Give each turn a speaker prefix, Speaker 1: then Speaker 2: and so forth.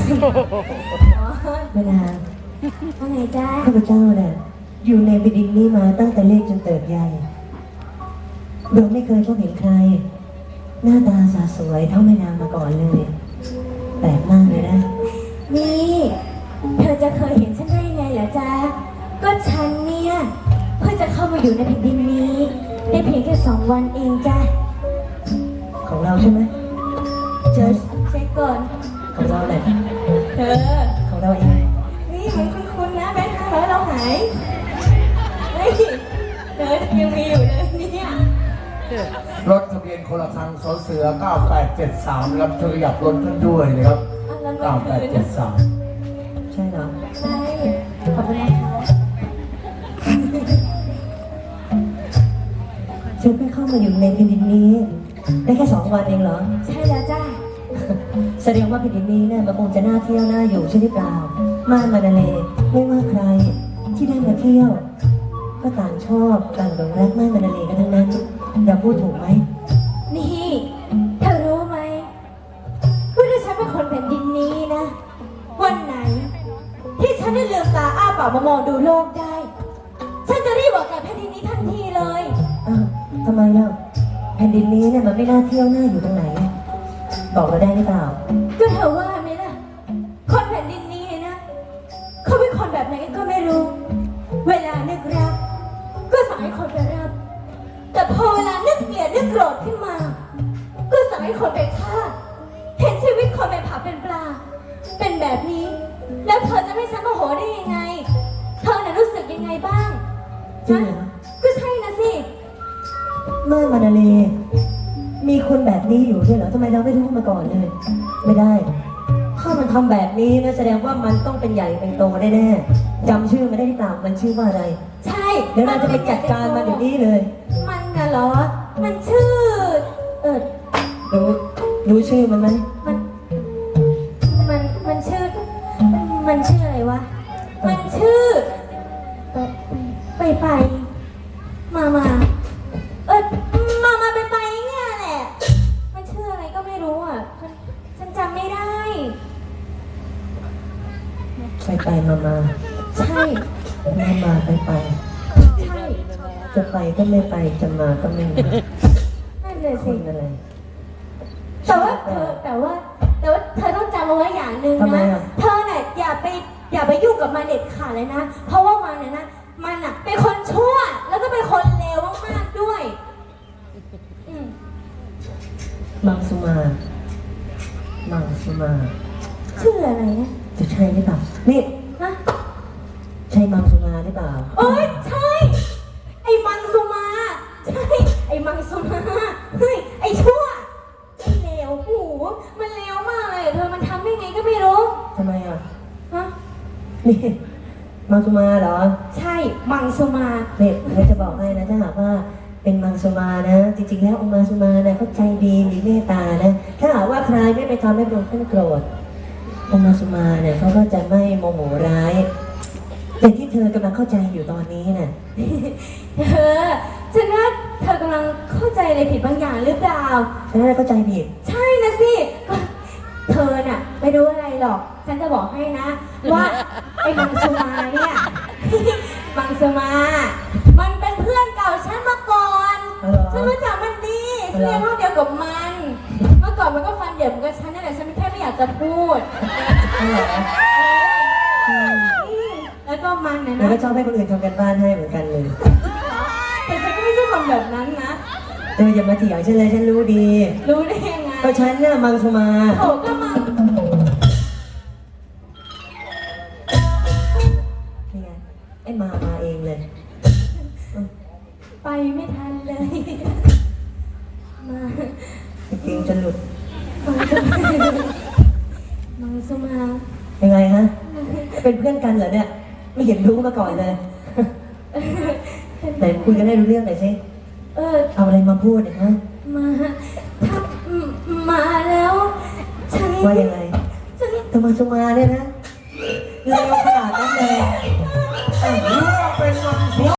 Speaker 1: เวลา
Speaker 2: ว่าไงจ้า
Speaker 1: ข้าพเจ้าเนี่ยอยู่ในแผ่นดินนี้มาตั้งแต่เล็กจนเติบใหญ่โดยไม่เคยพบเห็นใครหน้าตาสาสวยเท่าแม่นางมาก่อนเลยแปลกมากเลยนะ
Speaker 2: นี่เธอจะเคยเห็นฉันได้ไงเหรอจ๊ะก็ฉันเนี่ยเพิ่งจะเข้ามาอยู่ในแผ่นดินนี้ได้เพียงแค่2 วันเองจ้ะ
Speaker 1: ของเราใช่ไหม
Speaker 2: เจอเช็คก่อน
Speaker 1: ของเราแหละ
Speaker 2: เธอ
Speaker 1: ของเราเอง
Speaker 2: นี่มันคุ้นๆนะแบงค์500เราหายเฮ้ยเธอยังมีอยู่เลยเนี่ย
Speaker 3: รถทะเบียนคนละครั้งสเสือ9873ครับช่วยขยับรถขึ้นด้วยนะครับ9873
Speaker 1: ใช่เหรอ
Speaker 2: ใช่ขอบคุณนะคะ
Speaker 1: เธอเพิ่งเข้ามาอยู่ในแผ่นดินนี้ได้แค่2 วันเองเหรอ
Speaker 2: ใช่แล้วจ้า
Speaker 1: แสดงว่าแผ่นดินนี้เนี่ยมันคงจะน่าเที่ยวน่าอยู่ใช่หรือเปล่าม่านมานาเลไม่ว่าใครที่ได้มาเที่ยวก็ต่างชอบต่างหลงรักม่านมานาเลกันทั้งนั้นเราพูดถูกไหม
Speaker 2: นี่เธอรู้ไหมว่าถ้าฉันเป็นคนแผ่นดินนี้นะวันไหนที่ฉันได้ลืมตาอ้าปากมามองดูโลกได้ฉันจะรีบบอกแกแผ่นดินนี้ทันทีเลย
Speaker 1: อ้าวทำไมเล่าแผ่นดินนี้เนี่ยมันไม่น่าเที่ยวน่าอยู่ตรงไหนบอกเราได้หรือเปล่า
Speaker 2: ก็เธอว่าไหมล่ะคนแผ่นดินนี้นะเขาเป็นคนแบบไหนก็ไม่รู้เวลานึกรักก็สั่งให้คนไปรับแต่พอเวลานึกเกลียดนึกโกรธขึ้นมาก็สั่งให้คนไปฆ่าเห็นชีวิตคนเป็นผักเป็นปลาเป็นแบบนี้แล้วเธอจะไม่ฉันโมโหได้ยังไงเธอน่ะรู้สึกยังไงบ้าง
Speaker 1: จริงเหรอ
Speaker 2: ก็ใช่นะสิ
Speaker 1: ม่านมานาเลมีคนแบบนี้อยู่ด้วยเหรอทำไมเราไม่รู้มาก่อนเลยไม่ได้ถ้ามันทำแบบนี้นะแสดงว่ามันต้องเป็นใหญ่เป็นโตแน่ๆจำชื่อมันได้หรือเปล่ามันชื่อว่าอะไร
Speaker 2: ใช่
Speaker 1: เดี๋ยวเราจะไปจัดการมันเดี๋ยวนี้เลย
Speaker 2: มันน่ะเหรอมันชื่อ
Speaker 1: รู้ชื่อมันไหม
Speaker 2: มันชื่ออะไรวะมันชื่อไปมาไปเนี่ยแหละมันชื่ออะไรก็ไม่รู้อ่ะฉันจำไม่ได้
Speaker 1: ไปมา
Speaker 2: ใช่
Speaker 1: มาไป
Speaker 2: ใช่
Speaker 1: จะไปก็ไม่ไปจะมาก็ไม่มา
Speaker 2: นั่นเลยสิ
Speaker 1: อะไร
Speaker 2: แต่ว่าเธอต้องจำเอาไว้อย่างหนึ่งนะเธอเนี่ยอย่าไปยุ่งกับมันเด็ดขาดเลยนะเพราะว่ามันน่ะเป็นคนชั่วแล้วก็เป็นคนเลวมากๆด้วย
Speaker 1: มังสุมา
Speaker 2: ชื่ออะไรนะ
Speaker 1: จะใช่หรือเปล่านี่
Speaker 2: นะ
Speaker 1: ใช่มังสุมาหรือเปล่า
Speaker 2: โอ๊ยใช่ไอ้มังสุมาใช่ไอ้มังสุมาเฮ้ยไอ้ชั่วไอ้เลวโอ้โหมันเลวมากเลยเธอมันทำได้ไงก็ไม่รู้
Speaker 1: ทำไมอ่ะ
Speaker 2: ฮะ
Speaker 1: นี่มังสุมาเหรอ
Speaker 2: ใช่มังสุมา
Speaker 1: เนี่ยเราจะบอกให้นะถ้าหากว่าเป็นมังสุมานะจริงๆแล้วองค์มังสุมานะเขาใจดีมีเมตตานะถ้าหากว่าใครไม่ไปทำให้พระองค์ท่านโกรธองค์มังสุมาเนี่ยเขาก็จะไม่โมโหร้ายแต่ที่เธอกำลังเข้าใจอยู่ตอนนี้น่ะ
Speaker 2: ฉันว่าเธอกำลังเข้าใจอะไรผิดบางอย่างหรือเปล่า
Speaker 1: ฉันน่าเข้าใจผิด
Speaker 2: ใช่นะสิเธอน่ะไม่รู้อะไรหรอกฉันจะบอกให้นะว่าไอ้มังสุมาเนี่ยมังสุมามันเป็นเพื่อนเก่าฉันมาก่อนฉันรู้จักมันดีเรียนห้องเดียวกับมันเมื่อก่อนมันก็ฟันเหยิบกับฉันนี่แหละฉันแค่ไม่อยากจะพูดแล้วก็มันนะ
Speaker 1: แล้วก็ชอบให้คนอื่นทำกันบ้านให้เหมือนกันเลย
Speaker 2: แต่ฉันก็ไม่ใช่คนแบบนั้นนะ
Speaker 1: เธออย่ามาเถียงฉันเลยฉันรู้ดี
Speaker 2: รู้ได้ยังไง
Speaker 1: ก็ฉันน่ะมังสุมา
Speaker 2: โอ้ก็มัง
Speaker 1: นี่ไงไอ้มาเองเลย
Speaker 2: ไปไม่ทันเลยมา
Speaker 1: จริงจะหลุด
Speaker 2: มังสุมา
Speaker 1: ยังไงฮะเป็นเพื่อนกันเหรอเนี่ยไม่เห็นรู้มาก่อนเลยแต่คุยกันได้รู้เรื่องหน่อยสิเอาอะไรมาพูดเนี่ยฮะ
Speaker 2: มาแล้วฉัน
Speaker 1: ว่ายังไงธรรมสุมาเนี่ยนะเร็วขนาดนั้นเลย